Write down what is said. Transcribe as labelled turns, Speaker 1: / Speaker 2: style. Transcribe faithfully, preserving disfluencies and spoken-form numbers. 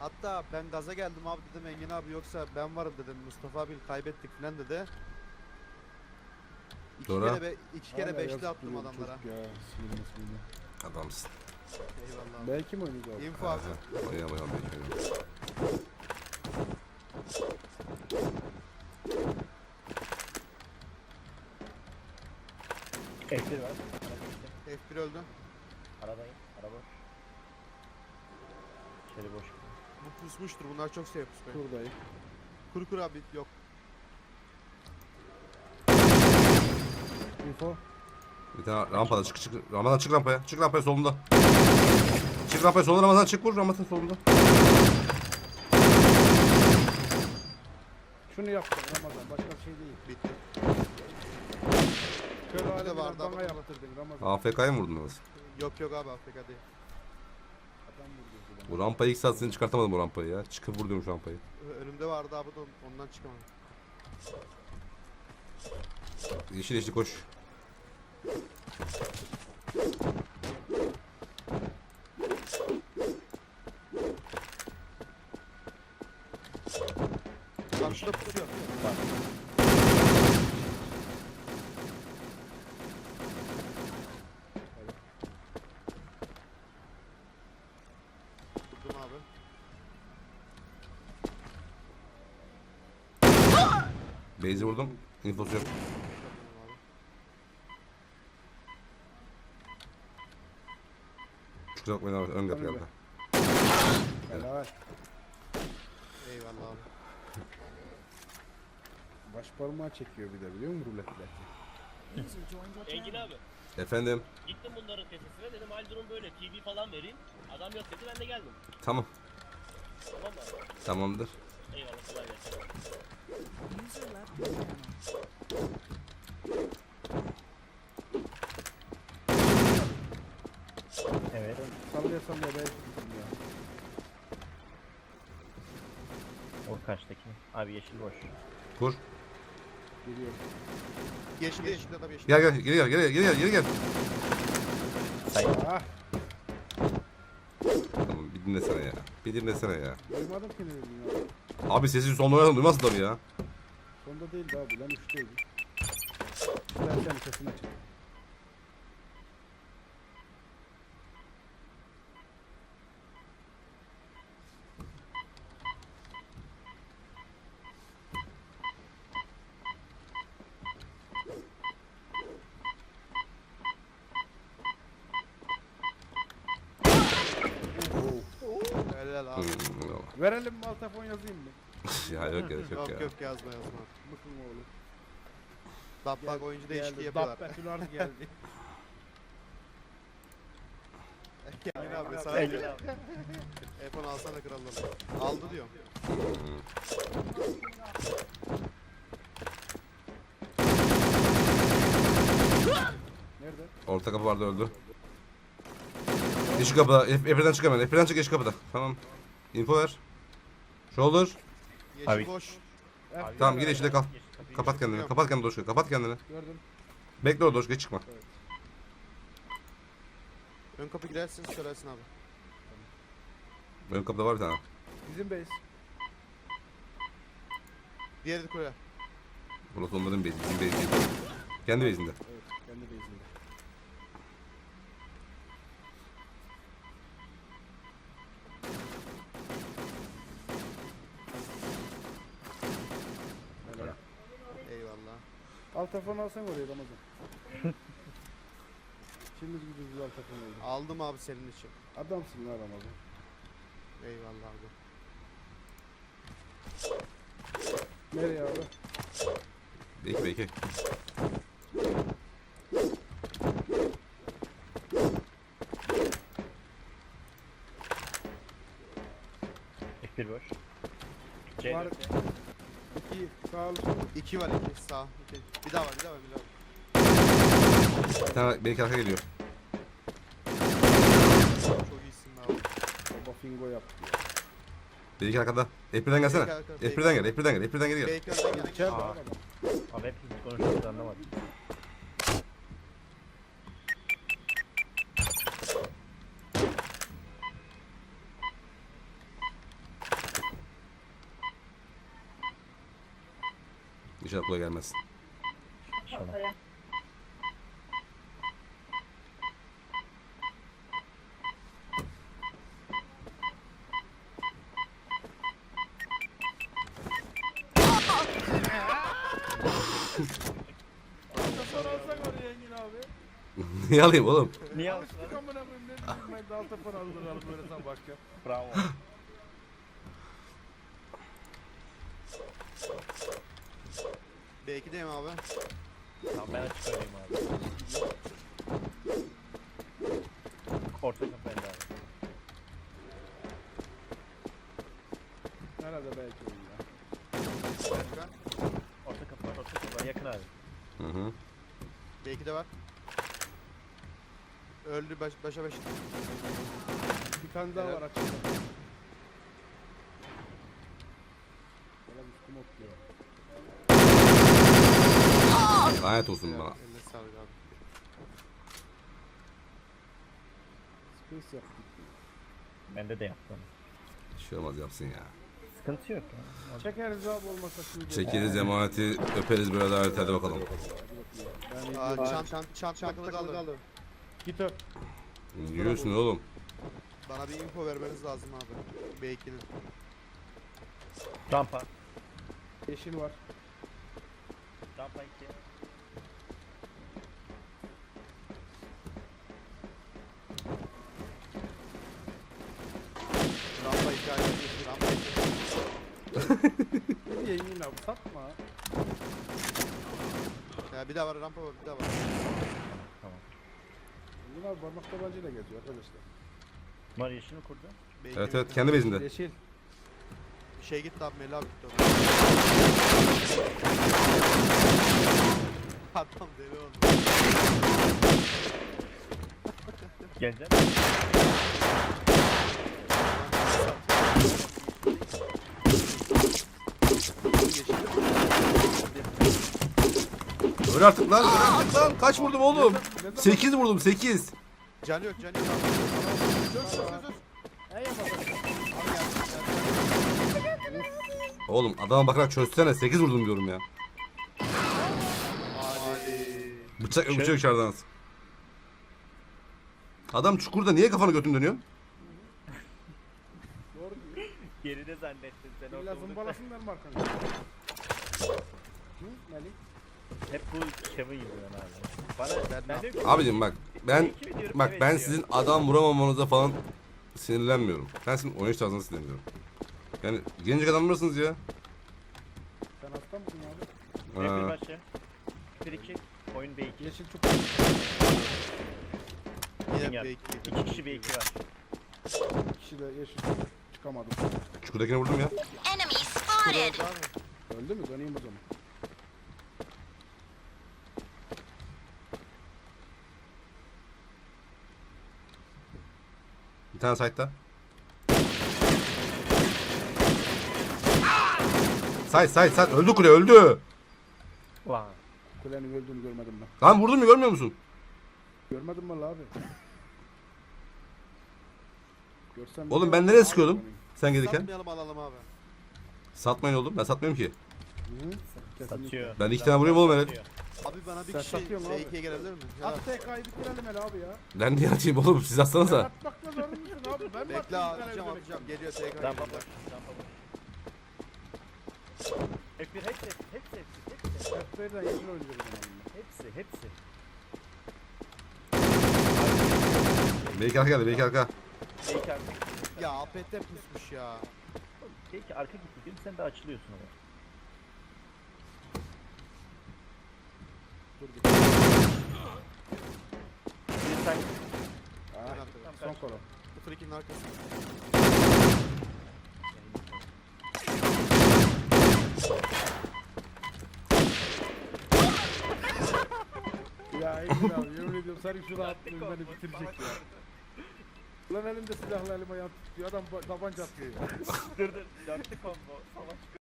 Speaker 1: Hatta ben gaza geldim abi, dedim Engin abi yoksa ben varım dedim. Mustafa abi kaybettik falan dedi. İki
Speaker 2: Sonra?
Speaker 1: kere be, iki kere
Speaker 3: Hala
Speaker 1: beşli
Speaker 3: yazık
Speaker 1: attım
Speaker 3: duruyor bu
Speaker 1: adamlara.
Speaker 3: çocuk ya. Sinirli sinirli.
Speaker 2: Adamsın.
Speaker 1: Eyvallah abi.
Speaker 3: Belki mi oynayacak abi?
Speaker 1: Info abi.
Speaker 2: Oynayalım oynayalım. oynayalım.
Speaker 4: F bir var.
Speaker 1: F bir öldü.
Speaker 4: Aradayım. Araba. İçeri boş.
Speaker 1: Bu pusmuştur. Bunlar çok şey pusmuyor.
Speaker 3: Buradayım.
Speaker 1: Kur kur abi yok.
Speaker 3: Info.
Speaker 2: Bir tane rampada çık çık. Ramazan çık rampaya. Çık rampaya solunda. Çık rampaya solunda Ramazan çık vur Ramazan solunda.
Speaker 3: Şunu yaptım Ramazan. Başka bir şey değil.
Speaker 1: Bitti.
Speaker 3: Şöyle
Speaker 1: Bir de
Speaker 3: hale
Speaker 1: vardı
Speaker 3: bana
Speaker 1: ama-
Speaker 3: yaptırdın Ramazan.
Speaker 2: A F K'ya mı vurdun Ramazan?
Speaker 1: Yok yok abi, Afrika değil.
Speaker 3: Adam vurdu.
Speaker 2: Bu rampayı ilk saat seni çıkartamadım o rampayı ya. Çıkıp vur diyorum şu rampayı.
Speaker 1: Ö- Önümde vardı abi de ondan çıkamadım.
Speaker 2: Yeşil yeşil koş.
Speaker 1: Karşıda pusuyor. Vurdum abi.
Speaker 2: Base'i vurdum. Infosu yok.
Speaker 1: Vurdum abi.
Speaker 2: Kusura bakmayın abi. Ön kapı
Speaker 3: Öyle.
Speaker 2: geldi.
Speaker 3: Helal.
Speaker 1: Eyvallah abi.
Speaker 3: Baş parmağı çekiyor bir de biliyor musun ruletle?
Speaker 5: Engin abi,
Speaker 2: Efendim.
Speaker 5: gittim bunların tepesine, dedim hal durum böyle, T V falan vereyim. Adam yok dedi, ben de geldim.
Speaker 2: Tamam.
Speaker 5: Tamam mı abi?
Speaker 2: Tamamdır.
Speaker 5: Eyvallah, kolay gelsin.
Speaker 6: User left your channel.
Speaker 4: Evet.
Speaker 3: Sallaya sallaya belki gittim ya.
Speaker 4: O kaçtaki? Abi yeşil boş.
Speaker 2: Kur.
Speaker 3: Geliyor.
Speaker 1: Yeşil yeşil adam yeşil.
Speaker 2: Gel gel geri gel geri gel geri gel geri gel.
Speaker 4: Say.
Speaker 3: Ah!
Speaker 2: Tamam bir dinlesene ya. Bir dinlesene ya.
Speaker 3: Duymadım ki ne dedin ya.
Speaker 2: Abi sesi son oynadım duymazlar ya.
Speaker 3: Sonda değildi abi lan üçteydi. Ben senin sesini açayım.
Speaker 1: Helal abi.
Speaker 2: Hmm,
Speaker 3: Verelim mi altafon yazayım mı?
Speaker 2: ya yok gerek yok
Speaker 1: Yok
Speaker 2: ya.
Speaker 1: yok yazma yazma.
Speaker 3: Mıkın oğlu.
Speaker 1: Dabbak oyuncu değişikliği
Speaker 3: Geldi,
Speaker 1: yapıyorlar.
Speaker 3: Dabbe geldi.
Speaker 1: Engin abi sana
Speaker 4: Engin
Speaker 1: diyor. iPhone alsana kralları. Aldı diyor.
Speaker 3: Nerede?
Speaker 2: Orta kapı vardı öldü. Yeşil kapıda. Efre'den çık hemen. Efre'den çık yeşil kapıda. Tamam. Info ver. Shoulder.
Speaker 1: Yeşil
Speaker 4: Abi.
Speaker 1: boş.
Speaker 3: Eh,
Speaker 2: Tamam
Speaker 3: gel
Speaker 2: gir
Speaker 3: abi.
Speaker 2: yeşile kal.
Speaker 4: Yeşil kapıyı
Speaker 2: Kapat kendini. Kapat kendini Doşka. Kapat kendini.
Speaker 3: Gördüm.
Speaker 2: Bekle orada Doşka çıkma.
Speaker 1: Ön kapı girersin söylersin abi.
Speaker 2: Ön kapıda var bir tane.
Speaker 3: Bizim base.
Speaker 1: Diğeri de koya.
Speaker 2: Burası onların bezi. Bizim bezi değil. Kendi bezinde.
Speaker 3: Evet, kendi base'inde. Helal.
Speaker 1: Eyvallah.
Speaker 3: Altafon alsan oraya Ramazan. Şimdi güzel altafon oldu.
Speaker 1: Aldım abi senin için.
Speaker 3: Adamsın lan Ramazan.
Speaker 1: Eyvallah abi.
Speaker 3: Nereye abi?
Speaker 2: Belki belki.
Speaker 4: F bir boş. C
Speaker 3: Var.
Speaker 4: dört.
Speaker 3: İki sağ ol.
Speaker 1: İki var iki sağ. İki. Bir daha var bir daha var bir daha var.
Speaker 2: Bir tane belki arka geliyor.
Speaker 1: Çok iyisin abi.
Speaker 3: Baba fingo yaptı.
Speaker 2: Belki arkada. Efre'den gelsene.
Speaker 1: Belki arkada,
Speaker 2: Efre'den gel. Efre'den gel. Efre'den geri gel.
Speaker 1: Belki önden gel.
Speaker 3: İçeride
Speaker 4: Aa.
Speaker 3: abi adam.
Speaker 4: Abi hepimiz konuşuyoruz anlamadım.
Speaker 2: İnşallah kolay gelmez.
Speaker 4: İnşallah.
Speaker 3: Altafor alsak oraya Engin abi.
Speaker 2: Niye alayım oğlum?
Speaker 4: Niye
Speaker 3: Alıştık amına koyayım ne bileyim ben de altafor aldıralım böyle sen başka.
Speaker 4: Bravo.
Speaker 1: B ikideyim abi.
Speaker 4: Tamam ben açık oynayayım abi. Orta kapı elde abi.
Speaker 3: Herhalde belki oyun ya.
Speaker 1: Başka.
Speaker 4: Orta kapı var, orta kapı var. Yakın abi.
Speaker 2: Hı hı.
Speaker 1: B ikide var. Öldü baş, başa baş.
Speaker 3: Bir tane daha
Speaker 1: Evet.
Speaker 3: var açıkta. Valla üstüm otluyor.
Speaker 2: Lanet olsun bana.
Speaker 1: Eline sağlık abi.
Speaker 3: Space yaptık.
Speaker 4: Bende de yaptım.
Speaker 2: Bir şey olmaz yapsın ya.
Speaker 4: Sıkıntı yok ya.
Speaker 3: Çekeriz abi olmasa şimdi.
Speaker 2: Çekeriz emaneti öperiz böyle davet hadi bakalım.
Speaker 3: Ben
Speaker 1: Aa,
Speaker 3: izliyorum.
Speaker 1: çant, çant, çant takılı kaldı.
Speaker 3: Git öp.
Speaker 2: Yürüyorsun oğlum.
Speaker 1: Bana bir info vermeniz lazım abi. B ikinin.
Speaker 4: Rampa.
Speaker 3: Yeşil var.
Speaker 4: Rampa iki.
Speaker 1: Rampa iki ayrı. Rampa iki.
Speaker 3: Ne diye Engin abi satma.
Speaker 1: Ya bir daha var rampa var bir daha var.
Speaker 3: Engin abi parmak tabancayla geziyor arkadaşlar.
Speaker 4: Bunlar yeşilini kurdu.
Speaker 1: B iki
Speaker 2: Evet
Speaker 1: bin.
Speaker 2: evet kendi bezinde.
Speaker 3: Yeşil.
Speaker 1: Şey gitti abi Melih abi gitti ona. Adam deli oldu.
Speaker 4: Gelecek.
Speaker 2: Öl artık lan. Öl artık lan. Kaç vurdum oğlum? sekiz vurdum sekiz.
Speaker 1: Canı yok canı yok abi. Dur dur dur dur.
Speaker 3: Ey yapalım.
Speaker 1: Abi geldi geldi.
Speaker 2: Oğlum adama bakarak çözsene sekiz vurdum diyorum ya.
Speaker 1: Hadi.
Speaker 2: Bıçak yok bıçak içeriden. Adam çukurda niye kafanı götün dönüyor?
Speaker 3: Doğru diyor.
Speaker 4: Geride zannettin sen
Speaker 3: İlla
Speaker 4: orada bunu.
Speaker 3: zımbalasınlar mı arkanı? Hı Melih?
Speaker 4: Hep bu şavı yüzünden abi. Bana
Speaker 1: Ben
Speaker 4: ben
Speaker 1: ne
Speaker 4: diyorum ki
Speaker 2: Abicim bak ben
Speaker 4: iki mi diyorum,
Speaker 2: bak
Speaker 4: evet
Speaker 2: ben
Speaker 4: diyor.
Speaker 2: sizin adam vuramamanıza falan sinirlenmiyorum. Ben sizin oynayış tarzına sinirleniyorum. Yani gencecik adamlarsınız ya.
Speaker 3: Sen hasta mısın abi?
Speaker 4: B bir
Speaker 2: Ha.
Speaker 4: başı. bir iki. Oyun B iki.
Speaker 3: Yeşil çok
Speaker 1: Yine
Speaker 4: Dünya.
Speaker 1: B iki.
Speaker 4: İki kişi B iki var.
Speaker 3: kişi de yeşil çıkamadım.
Speaker 2: Çukurdakini vurdum ya.
Speaker 7: Enemy spotted.
Speaker 1: Öldü abi.
Speaker 3: Öldü mü? Döneyim o zaman.
Speaker 2: Bir tane site'da. Site site site öldü kule öldü.
Speaker 4: Ulan.
Speaker 3: Kulenin öldüğünü görmedim ben.
Speaker 2: Lan vurdun mu görmüyor musun?
Speaker 3: Görmedim valla abi. Görsem
Speaker 2: Oğlum
Speaker 3: bir
Speaker 2: ben
Speaker 3: de-
Speaker 2: nereye sıkıyordum? Sen gelirken.
Speaker 1: Satmayalım alalım abi.
Speaker 2: Satmayın oğlum ben satmıyorum ki.
Speaker 3: Hı -hı. Kesinlikle.
Speaker 4: Satıyor.
Speaker 2: Ben iki tane vurayım oğlum hele.
Speaker 4: Satıyor.
Speaker 1: Abi bana bir
Speaker 3: Sen
Speaker 1: kişi
Speaker 3: satıyorsun
Speaker 1: B
Speaker 3: abi.
Speaker 1: ikiye gelebilir mi? Ya,
Speaker 3: At T K'yı bitirelim hele abi ya.
Speaker 2: Ben niye atayım oğlum siz
Speaker 3: Sen
Speaker 2: atsanıza.
Speaker 3: atmakla zorunlusun abi. Ben mi
Speaker 1: bekle
Speaker 3: atayım bir tane
Speaker 1: atacağım
Speaker 3: ödemek?
Speaker 1: atacağım. Geliyor tekrar.
Speaker 4: Rampa
Speaker 1: geliyor.
Speaker 4: boş. Rampa boş. F bir hepsi hepsi hepsi hepsi hepsi.
Speaker 3: F bir'den yeşil oynuyoruz onunla.
Speaker 4: Hepsi hepsi.
Speaker 2: Belki arka geldi belki arka.
Speaker 4: B iki arka.
Speaker 1: Ya A P T pusmuş ya.
Speaker 4: B iki arka gitti diyorum sen de açılıyorsun oraya.
Speaker 3: Dur bir.
Speaker 4: Bir sen
Speaker 3: Ah,
Speaker 1: Tamam,
Speaker 3: son kolo.
Speaker 1: sıfır ikinin arkası.
Speaker 3: Ya Engin abi yemin ediyorum senin şu rahatlığın beni bitirecek ya. Ulan elimde silahla elim ayağım tutuyor adam ba- tabanca atıyor ya.
Speaker 4: dur dur. Dörtlü combo. Savaş